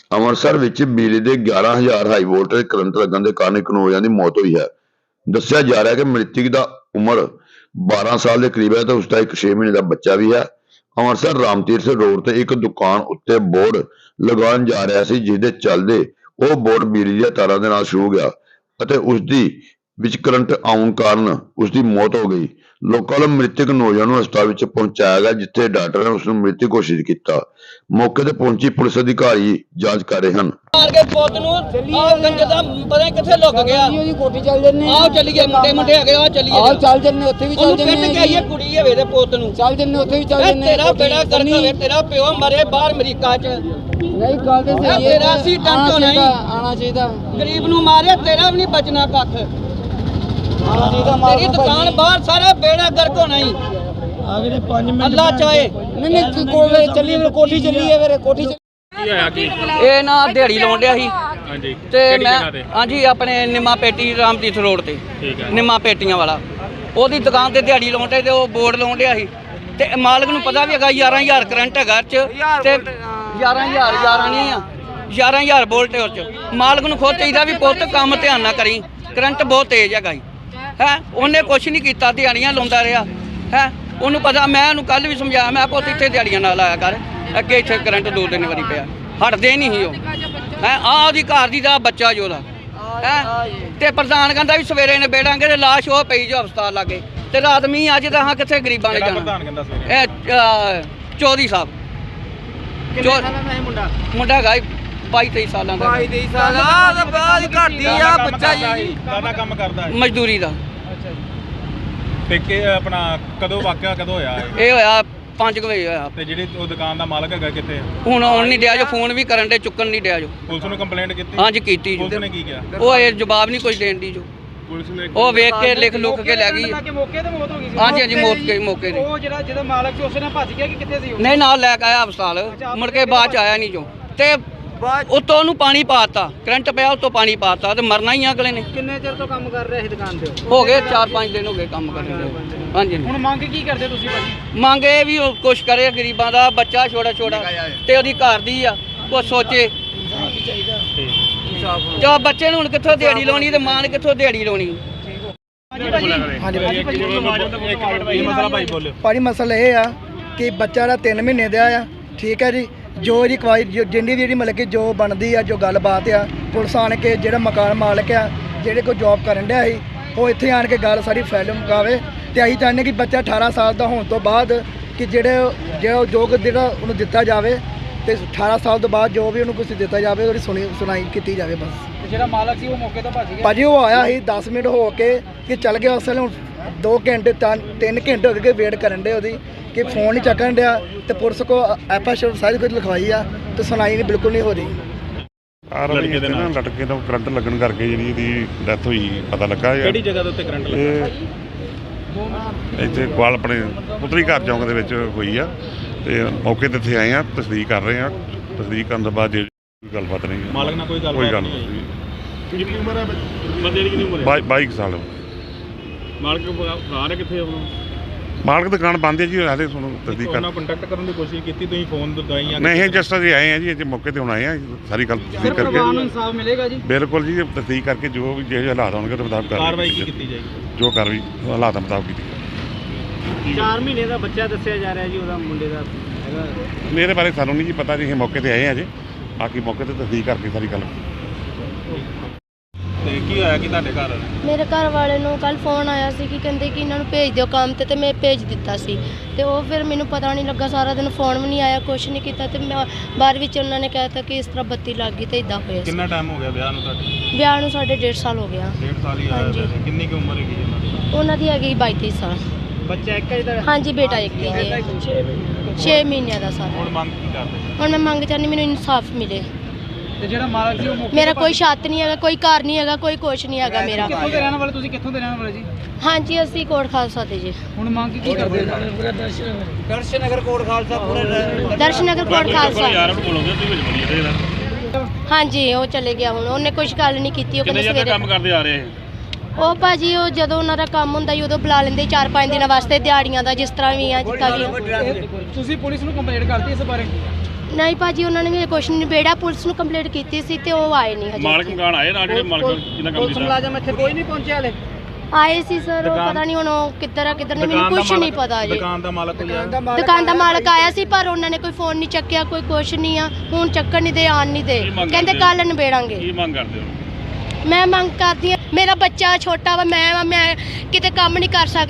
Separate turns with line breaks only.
ਅੰਮ੍ਰਿਤਸਰ ਵਿੱਚ ਬਿਜਲੀ ਦੇ 11,000 ਹਾਈ ਵੋਲਟੇਜ ਕਰੰਟ ਲੱਗਣ ਦੇ ਕਾਰਨ ਇੱਕ ਨੌਜਵਾਨ ਦੀ ਮੌਤ ਹੋਈ ਹੈ। ਦੱਸਿਆ ਜਾ ਰਿਹਾ ਹੈ ਕਿ ਮ੍ਰਿਤਕ ਦਾ ਉਮਰ 12 ਸਾਲ ਦੇ ਕਰੀਬ ਹੈ ਤੇ ਉਸ ਦਾ ਇੱਕ 6 ਮਹੀਨੇ ਦਾ ਬੱਚਾ ਵੀ ਹੈ। ਅੰਮ੍ਰਿਤਸਰ ਰਾਮਤੀਰਥ ਰੋਡ ਤੇ ਇੱਕ ਦੁਕਾਨ ਉੱਤੇ ਬੋਰਡ ਲਗਾਉਣ ਜਾ ਰਿਹਾ ਸੀ, ਜਿਸ ਦੇ ਚੱਲਦੇ ਉਹ ਬੋਰਡ ਬਿਜਲੀ ਦੀਆਂ ਤਾਰਾਂ ਦੇ ਨਾਲ ਛੂਹ ਗਿਆ ਅਤੇ ਉਸ ਦੀ ਵਿੱਚ ਕਰੰਟ ਆਉਣ ਕਾਰਨ ਉਸ ਦੀ ਮੌਤ ਹੋ ਗਈ। ਲੋਕਾਂ ਵੱਲੋਂ ਮ੍ਰਿਤਕ ਨੌਜਵਾਨ ਨੂੰ ਹਸਪਤਾਲ ਵਿੱਚ ਪਹੁੰਚਾਇਆ ਗਿਆ, ਜਿੱਥੇ ਡਾਕਟਰ ਨੇ ਉਸ ਨੂੰ ਮ੍ਰਿਤਕ ਘੋਸ਼ਿਤ ਕੀਤਾ। ਮੌਕੇ ਤੇ ਪਹੁੰਚੀ ਪੁਲਿਸ ਅਧਿਕਾਰੀ ਜਾਂਚ ਕਰ ਰਹੇ ਹਨ।
ਮਾਰ ਕੇ ਪੁੱਤ ਨੂੰ ਆਹ ਗੰਜ ਦਾ ਪਤਾ ਨਹੀਂ ਕਿੱਥੇ ਲੁਕ ਗਿਆ।
ਉਹਦੀ ਕੋਠੀ ਚੱਲ ਜੰਨੇ
ਆਹ ਚੱਲੀਏ ਮੁੰਡੇ ਹੈਗੇ ਆ ਚੱਲੀਏ।
ਆਹ ਚੱਲ ਜੰਨੇ ਉੱਥੇ ਵੀ ਚੱਲ ਜੰਨੇ।
ਉਹਨੂੰ ਆਈਏ ਕੁੜੀ ਹੋਵੇ ਤੇ ਪੁੱਤ ਨੂੰ
ਚੱਲ ਜੰਨੇ ਉੱਥੇ ਵੀ ਚੱਲ ਜੰਨੇ।
ਤੇਰਾ ਬੇੜਾ ਗਰਕ ਹੋਵੇ, ਤੇਰਾ ਪਿਓ ਮਰੇ ਬਾਹਰ ਅਮਰੀਕਾ 'ਚ।
ਨਹੀਂ ਗੱਲ ਤੇ ਸਹੀ ਹੈ।
ਤੇਰਾ ਸੀ ਟੰਟੋ ਨਹੀਂ
ਆਣਾ ਚਾਹੀਦਾ।
ਗਰੀਬ ਨੂੰ ਮਾਰਿਆ, ਤੇਰਾ ਵੀ ਨਹੀਂ ਬਚਣਾ ਕੱਖ।
ਆਣਾ ਚਾਹੀਦਾ।
ਤੇਰੀ ਦੁਕਾਨ ਬਾਹਰ ਸਾਰਾ ਬੇੜਾ ਗਰਕ ਹੋਣਾ ਹੀ।
ਅਗਲੇ 5 ਮਿੰਟ
ਅੱਲਾ ਚਾਹੇ।
ਨਹੀਂ ਕੋਲੇ ਚੱਲੀ ਕੋਠੀ ਚੱਲੀ ਹੈ ਮੇਰੇ ਕੋਠੀ
ਇਹ ਨਾ ਦਿਹਾੜੀ ਲਾਉਣ ਡਿਆ ਸੀ।
ਹਾਂਜੀ
ਤੇ ਮੈਂ ਹਾਂਜੀ ਆਪਣੇ ਨਿੰਮਾ ਪੇਟੀ ਰਾਮਤੀਰਥ ਰੋਡ ਤੇ
ਠੀਕ ਹੈ।
ਨਿੰਮਾ ਪੇਟੀਆਂ ਵਾਲਾ ਉਹਦੀ ਦੁਕਾਨ ਤੇ ਦਿਹਾੜੀ ਲਾਉਣ ਤੇ ਉਹ ਬੋਰਡ ਲਾਉਣ ਡਿਆ ਸੀ ਤੇ ਮਾਲਕ ਨੂੰ ਪਤਾ ਵੀ ਹੈਗਾ 11,000 ਕਰੰਟ ਹੈਗਾ ਚ ਤੇ 11,000 ਨਹੀਂ ਆ 11,000 ਵੋਲਟ ਉਹ ਚ। ਮਾਲਕ ਨੂੰ ਖੁਦ ਚਾਹੀਦਾ ਵੀ ਪੁੱਤ ਕੰਮ ਧਿਆਨ ਨਾਲ ਕਰੀ, ਕਰੰਟ ਬਹੁਤ ਤੇਜ਼ ਹੈਗਾ ਜੀ ਹੈ। ਉਹਨੇ ਕੁਛ ਨਹੀਂ ਕੀਤਾ, ਦਿਹਾੜੀਆਂ ਲਾਉਂਦਾ ਰਿਹਾ ਹੈ। ਉਹਨੂੰ ਪਤਾ, ਮੈਂ ਉਹਨੂੰ ਕੱਲ ਵੀ ਸਮਝਾਇਆ, ਮੈਂ ਪੁੱਤ ਇੱਥੇ ਦਿਹਾੜੀਆਂ ਨਾਲ ਆਇਆ ਕਰ, ਅੱਗੇ ਇੱਥੇ ਕਰੰਟ 2-3 ਵਾਰੀ ਪਿਆ, ਹਟਦੇ ਨਹੀਂ ਸੀ ਉਹ ਹੈ। ਆਹ ਉਹਦੀ ਘਰ ਦੀ ਦਾ ਬੱਚਾ ਜੋ ਉਹਦਾ ਹੈ ਤੇ ਪ੍ਰਧਾਨ ਕਹਿੰਦਾ ਵੀ ਸਵੇਰੇ ਨੇ ਬੇੜਾਂਗੇ ਤੇ ਲਾਸ਼ ਉਹ ਪਈ ਜੋ ਹਸਪਤਾਲ ਲਾਗੇ ਤੇ ਰਾਤ ਮੀਂਹ ਅੱਜ ਤਾਂ ਹਾਂ ਕਿੱਥੇ ਗਰੀਬਾਂ ਨੇ ਜਾਣਾ।
ਪ੍ਰਧਾਨ ਕਹਿੰਦਾ ਸਵੇਰੇ
ਇਹ ਚੌਧਰੀ ਸਾਹਿਬ ਮੁੰਡਾ ਹੈਗਾ 22-23 ਸਾਲਾਂ ਦਾ।
22 ਸਾਲ ਦਾ ਬਾਅਦ ਘੱਟਦੀ ਆ ਬੱਚਾ ਜੀ।
ਕਾਹਦਾ ਕੰਮ ਕਰਦਾ ਹੈ?
ਮਜ਼ਦੂਰੀ ਦਾ।
ਤੇ ਕਿ ਆਪਣਾ ਕਦੋਂ ਵਾਕਿਆ ਕਦੋਂ ਹੋਇਆ ਇਹ?
ਇਹ ਹੋਇਆ 5 ਵਜੇ ਹੋਇਆ।
ਤੇ ਜਿਹੜੀ ਉਹ ਦੁਕਾਨ ਦਾ ਮਾਲਕ ਹੈਗਾ ਕਿੱਥੇ ਹੈ?
ਹੁਣ ਆਉਣ ਨਹੀਂ ਡਿਆ ਜੋ, ਫੋਨ ਵੀ ਕਰਨ ਦੇ, ਚੁੱਕਣ ਨਹੀਂ ਡਿਆ ਜੋ।
ਪੁਲਿਸ ਨੂੰ ਕੰਪਲੇਂਟ ਕੀਤੀ?
ਹਾਂਜੀ ਕੀਤੀ ਜੋ।
ਪੁਲਿਸ ਨੇ ਕੀ ਕਿਹਾ?
ਉਹ ਇਹ ਜਵਾਬ ਨਹੀਂ ਕੁਝ ਦੇਣ ਦੀ ਜੋ।
ਪੁਲਿਸ ਨੇ
ਉਹ ਵੇਖ ਕੇ ਲਿਖ ਲੁੱਕ ਕੇ ਲੈ ਗਈ।
ਮੌਕੇ ਤੇ ਮੌਤ ਹੋ ਗਈ ਸੀ।
ਹਾਂਜੀ ਹਾਂਜੀ ਮੌਕੇ ਤੇ।
ਉਹ ਜਿਹਦਾ ਮਾਲਕ ਸੀ ਉਸੇ ਨਾਲ ਭੱਜ ਗਿਆ ਕਿ ਕਿੱਥੇ ਸੀ ਉਹ?
ਨਹੀਂ ਨਾਲ ਲੈ ਕੇ ਆਇਆ ਹਸਪਤਾਲ, ਮੁੜ ਕੇ ਬਾਅਦ ਚ ਆਇਆ ਨਹੀਂ ਜੋ। ਤੇ ਉੱਤੋਂ ਉਹਨੂੰ ਪਾਣੀ ਪਾਤਾ, ਕਰੰਟ ਪਿਆ ਉੱਤੋਂ ਪਾਣੀ ਪਾਤਾ ਤੇ ਮਰਨਾ ਹੀ ਅਗਲੇ ਨੇ।
ਕਿੰਨੇ ਚਿਰ ਤੋਂ ਕੰਮ ਕਰ ਰਿਹਾ ਸੀ ਦੁਕਾਨ ਤੇ?
ਹੋ ਗਏ 4-5 ਦਿਨ ਹੋ ਗਏ ਕੰਮ ਕਰਦੇ ਨੂੰ। ਹਾਂਜੀ
ਹੁਣ ਮੰਗ ਕੀ ਕਰਦੇ ਤੁਸੀਂ ਭਾਜੀ?
ਮੰਗ ਇਹ ਵੀ ਉਹ ਕੁਛ ਕਰੇ, ਗਰੀਬਾਂ ਦਾ ਬੱਚਾ ਛੋਟਾ ਤੇ ਉਹਦੀ ਘਰ ਦੀ ਆ, ਕੁਛ ਸੋਚੇ। ਜੋ ਬੱਚੇ ਨੂੰ ਹੁਣ ਕਿੱਥੋਂ ਦਿਹਾੜੀ ਲਾਉਣੀ ਤੇ ਮਾਂ ਨੇ ਕਿੱਥੋਂ ਦਿਹਾੜੀ ਲਾਉਣੀ।
ਕੀ ਮਸਲਾ ਭਾਈ ਬੋਲਿਓ।
ਭਾਜੀ ਮਸਲਾ ਇਹ ਆ ਕਿ ਬੱਚਾ ਦਾ 3 ਮਹੀਨੇ ਦਾ ਆ, ਠੀਕ ਹੈ ਜੀ। ਜੋ ਇਹਦੀ ਕਵਾਈ ਜਿੰਨੀ ਵੀ ਜਿਹੜੀ ਮਤਲਬ ਕਿ ਜੋ ਬਣਦੀ ਆ, ਜੋ ਗੱਲਬਾਤ ਆ, ਪੁਲਿਸ ਆਣ ਕੇ ਜਿਹੜਾ ਮਕਾਨ ਮਾਲਕ ਆ, ਜਿਹੜੇ ਕੋਈ ਜੌਬ ਕਰਨ ਡਿਆ ਸੀ, ਉਹ ਇੱਥੇ ਆਣ ਕੇ ਗੱਲ ਸਾਰੀ ਫੈਲ ਮੁਕਾਵੇ। ਤੇ ਅਸੀਂ ਚਾਹੁੰਦੇ ਕਿ ਬੱਚਾ 18 ਸਾਲ ਦਾ ਹੋਣ ਤੋਂ ਬਾਅਦ ਕਿ ਜਿਹੜਾ ਉਹਨੂੰ ਦਿੱਤਾ ਜਾਵੇ ਤੇ 18 ਸਾਲ ਤੋਂ ਬਾਅਦ ਜੋ ਵੀ ਉਹਨੂੰ ਕੁਝ ਦਿੱਤਾ ਜਾਵੇ ਉਹਦੀ ਸੁਣਾਈ ਕੀਤੀ ਜਾਵੇ ਬਸ।
ਜਿਹੜਾ ਮਾਲਕ ਸੀ ਉਹ ਮੌਕੇ ਤੋਂ ਭੱਜ ਗਿਆ
ਭਾਜੀ। ਉਹ ਆਇਆ ਸੀ 10 ਮਿੰਟ ਹੋ ਕੇ ਕਿ ਚੱਲ ਗਿਆ। ਅਸਲ ਹੁਣ 2 ਘੰਟੇ 3 ਘੰਟੇ ਹੋ ਗਏ ਵੇਟ ਕਰਨ ਦੇ ਉਹਦੀ ਕਿ ਫੋਨ ਨਹੀਂ ਚੱਕਣ ਡਿਆ ਤੇ ਪੁਲਿਸ ਕੋ ਐਫਆਈਆਰ ਸਾਰੀ ਕੁਝ ਲਿਖਵਾਈ ਆ ਤੇ ਸੁਣਾਈ ਨਹੀਂ ਬਿਲਕੁਲ ਨਹੀਂ ਹੋ ਰਹੀ।
ਲੜਕੇ ਦੇ ਨਾਲ
ਲਟਕੇ ਤੋਂ ਕਰੰਟ ਲੱਗਣ ਕਰਕੇ ਜਿਹੜੀ ਇਹਦੀ ਡੈਥ ਹੋਈ ਪਤਾ ਲੱਗਾ।
ਕਿਹੜੀ ਜਗ੍ਹਾ ਦੇ ਉੱਤੇ ਕਰੰਟ ਲੱਗਾ?
ਇੱਥੇ ਕੋਲ ਆਪਣੇ ਪੁੱਤਰੀ ਘਰ ਚੌਂਕ ਦੇ ਵਿੱਚ ਹੋਈ ਆ ਤੇ ਮੌਕੇ ਤੇ ਇੱਥੇ ਆਏ ਆ, ਤਸਦੀਕ ਕਰ ਰਹੇ ਆ। ਤਸਦੀਕ ਕਰਨ ਤੋਂ ਬਾਅਦ ਜੇ ਗੱਲਬਾਤ ਨਹੀਂ ਹੈ।
ਮਾਲਕ ਨਾਲ ਕੋਈ ਗੱਲ
ਨਹੀਂ।
ਕਿੰਨੀ ਉਮਰ ਹੈ ਬੰਦੇ ਦੀ? ਕਿੰਨੀ ਉਮਰ ਹੈ?
22 ਸਾਲ।
ਮਾਲਕ ਫਰਾਰ ਹੈ ਕਿੱਥੇ?
ਮਾਲਕ ਦੁਕਾਨ ਬੰਦ ਹੈ ਜੀ, ਹਾਲੇ ਤੁਹਾਨੂੰ ਤਸਦੀਕ ਕਰ।
ਉਹਨਾਂ ਕੰਟੈਕਟ ਕਰਨ ਦੀ ਕੋਸ਼ਿਸ਼ ਕੀਤੀ ਤੁਸੀਂ? ਫੋਨ ਦਵਾਈਆਂ?
ਨਹੀਂ, ਜਸਟ ਅਸੀਂ ਆਏ ਆ ਜੀ, ਇੱਥੇ ਮੌਕੇ ਤੇ ਹੁਣ ਆਏ ਆ, ਸਾਰੀ ਗੱਲ ਤਸਦੀਕ ਕਰਕੇ।
ਇਨਸਾਫ ਮਿਲੇਗਾ ਜੀ?
ਬਿਲਕੁਲ ਜੀ, ਤਸਦੀਕ ਕਰਕੇ ਜੋ ਵੀ ਜਿਹੇ ਹਾਲਾਤ ਹੋਣਗੇ ਉਹਦੇ ਮੁਤਾਬਕ
ਕਾਰਵਾਈ ਕੀ ਕੀਤੀ ਜਾਏਗੀ?
ਜੋ ਕਾਰਵਾਈ ਹਾਲਾਤਾਂ ਮੁਤਾਬਕ ਕੀਤੀ।
4 ਮਹੀਨੇ ਦਾ ਬੱਚਾ ਦੱਸਿਆ ਜਾ ਰਿਹਾ ਜੀ ਉਹਦਾ, ਮੁੰਡੇ ਦਾ ਹੈਗਾ।
ਮੇਰੇ ਬਾਰੇ ਸਾਨੂੰ ਨਹੀਂ ਜੀ ਪਤਾ ਜੀ, ਅਸੀਂ ਮੌਕੇ ਤੇ ਆਏ ਆ ਜੀ, ਬਾਕੀ ਮੌਕੇ ਤੇ ਤਸਦੀਕ ਕਰਕੇ ਸਾਰੀ ਗੱਲ।
ਤੇ ਕੀ ਹੋਇਆ ਕਿ ਤੁਹਾਡੇ ਘਰ?
ਮੇਰੇ ਘਰ ਵਾਲੇ ਨੂੰ ਕੱਲ ਫੋਨ ਆਇਆ ਸੀ ਕਿ ਕਹਿੰਦੇ ਕਿ ਇਹਨਾਂ ਨੂੰ ਭੇਜ ਦਿਓ ਕੰਮ ਤੇ ਮੈਂ ਭੇਜ ਦਿੱਤਾ ਸੀ ਤੇ ਉਹ ਫਿਰ ਮੈਨੂੰ ਪਤਾ ਨਹੀਂ ਲੱਗਾ, ਸਾਰਾ ਦਿਨ ਫੋਨ ਵੀ ਨਹੀਂ ਆਇਆ, ਕੁਛ ਨਹੀਂ ਕੀਤਾ ਤੇ ਮੈਂ ਬਾਅਦ ਵਿੱਚ ਉਹਨਾਂ ਨੇ ਕਹਿਤਾ ਕਿ ਇਸ ਤਰ੍ਹਾਂ ਬੱਤੀ ਲੱਗ ਗਈ ਤੇ ਇਦਾਂ ਹੋਇਆ।
ਕਿੰਨਾ ਟਾਈਮ ਹੋ ਗਿਆ ਵਿਆਹ ਨੂੰ ਤੁਹਾਡੇ?
ਵਿਆਹ ਨੂੰ ਸਾਡੇ 1.5 ਸਾਲ ਹੋ ਗਿਆ।
1.5 ਸਾਲ ਹੀ ਹੋਇਆ। ਕਿੰਨੀ ਕੁ ਉਮਰ ਹੈਗੀ ਉਹਨਾਂ ਦੀ?
ਉਹਨਾਂ ਦੀ ਹੈਗੀ 22 ਸਾਲ।
ਬੱਚਾ ਇੱਕ ਹੈ ਜਿਹੜਾ?
ਹਾਂਜੀ ਬੇਟਾ ਇੱਕ ਹੀ ਜੇ 6 ਮਹੀਨਿਆਂ ਦਾ ਸਾਰਾ।
ਹੁਣ ਮੰਗ ਕੀ ਕਰਦੇ?
ਹੁਣ ਮੈਂ ਮੰਗ ਚਾਹੁੰਦੀ ਮੈਨੂੰ ਇਨਸਾਫ ਮਿਲੇ।
ਤੇ ਜਿਹੜਾ ਮਾਲਕ ਸੀ ਉਹ ਮੌਕੇ
ਮੇਰਾ ਕੋਈ ਛੱਤ ਨਹੀਂ ਹੈਗਾ, ਕੋਈ ਘਰ ਨਹੀਂ ਹੈਗਾ, ਕੋਈ ਕੁਛ ਨਹੀਂ ਹੈਗਾ ਮੇਰਾ।
ਕਿੱਥੋਂ ਦੇ ਰਹਿਣ ਵਾਲੇ ਤੁਸੀਂ? ਕਿੱਥੋਂ ਦੇ ਰਹਿਣ ਵਾਲੇ ਜੀ?
ਹਾਂਜੀ ਅਸੀਂ ਕੋਟ ਖਾਲਸਾ ਤੇ ਜੀ।
ਹੁਣ ਮੰਗ ਕੀ ਕਰਦੇ? ਦਰਸ਼ਨਗਰ ਕੋਟ ਖਾਲਸਾ ਪੂਰਾ
ਦਰਸ਼ਨਗਰ ਕੋਟ ਖਾਲਸਾ। ਹਾਂਜੀ ਉਹ ਚਲੇ ਗਿਆ, ਹੁਣ ਉਹਨੇ ਕੁਝ ਗੱਲ ਨਹੀਂ ਕੀਤੀ। ਉਹ ਕਹਿੰਦੇ ਸਵੇਰੇ
ਕੰਮ ਕਰਦੇ ਆ ਰਹੇ।
ਉਹ ਭਾਜੀ ਉਹ ਜਦੋਂ ਉਹਨਾਂ ਦਾ ਕੰਮ ਹੁੰਦਾ ਜੀ ਉਦੋਂ ਬੁਲਾ ਲੈਂਦੇ 4-5 ਦਿਨਾਂ ਵਾਸਤੇ ਦਿਹਾੜੀਆਂ ਦਾ, ਜਿਸ ਤਰ੍ਹਾਂ ਵੀ ਆ ਜਿੱਦਾਂ ਵੀ ਆ।
ਤੁਸੀਂ ਪੁਲਿਸ ਨੂੰ ਕੰਪਲੇਂਟ ਕਰਤੀ ਇਸ ਬਾਰੇ?
ਨਹੀਂ ਭਾਜੀ ਉਹਨਾਂ ਨੇ ਵੀ ਕੁਛ ਨਹੀਂ ਨਿਬੇੜਾ, ਪੁਲਿਸ ਨੂੰ ਕੰਪਲੇਂਟ ਕੀਤੀ ਸੀ ਤੇ ਉਹ ਆਏ ਨਹੀਂ ਹਜੇ
ਮਾਲਕ
ਇੱਥੇ।
ਮਕਾਨ ਆਏ ਨਾਲ ਜਿਹੜੇ ਮਾਲਕ ਜਿੰਨਾ ਕੰਮ
ਪੁਲਿਸ
ਕੀਤਾ
ਮੁਲਾਜ਼ਮ ਇੱਥੇ ਕੋਈ ਨਹੀਂ ਪਹੁੰਚਿਆ ਹਲੇ।
ਆਏ ਸੀ ਸਰ, ਉਹ ਪਤਾ ਨਹੀਂ ਹੁਣ ਉਹ ਕਿੱਧਰ ਆ ਕਿੱਧਰ ਨਹੀਂ, ਮੈਨੂੰ ਕੁਛ ਨਹੀਂ ਪਤਾ ਜੀ।
ਦੁਕਾਨ ਦਾ ਮਾਲਕ ਕੋਈ ਆਇਆ?
ਦੁਕਾਨ ਦਾ ਮਾਲਕ ਆਇਆ ਸੀ ਪਰ ਉਹਨਾਂ ਨੇ ਕੋਈ ਫੋਨ ਨਹੀਂ ਚੱਕਿਆ, ਕੋਈ ਕੁਛ ਨਹੀਂ ਆ, ਹੁਣ ਚੱਕਣ ਨਹੀਂ ਦੇ, ਆਣ ਨਹੀਂ ਦੇ,
ਕੀ ਮੰਗ
ਕਹਿੰਦੇ
ਕਰਦੇ
ਕੱਲ ਨਿਬੇੜਾਂਗੇ।
ਕੀ ਮੰਗ ਕਰਦੇ ਹੋ?
ਮੈਂ ਮੰਗ ਕਰਦੀ ਹਾਂ, ਮੇਰਾ ਬੱਚਾ ਛੋਟਾ ਵਾ, ਮੈਂ ਕਿਤੇ ਕੰਮ ਨਹੀਂ ਕਰ ਸਕਦੀ।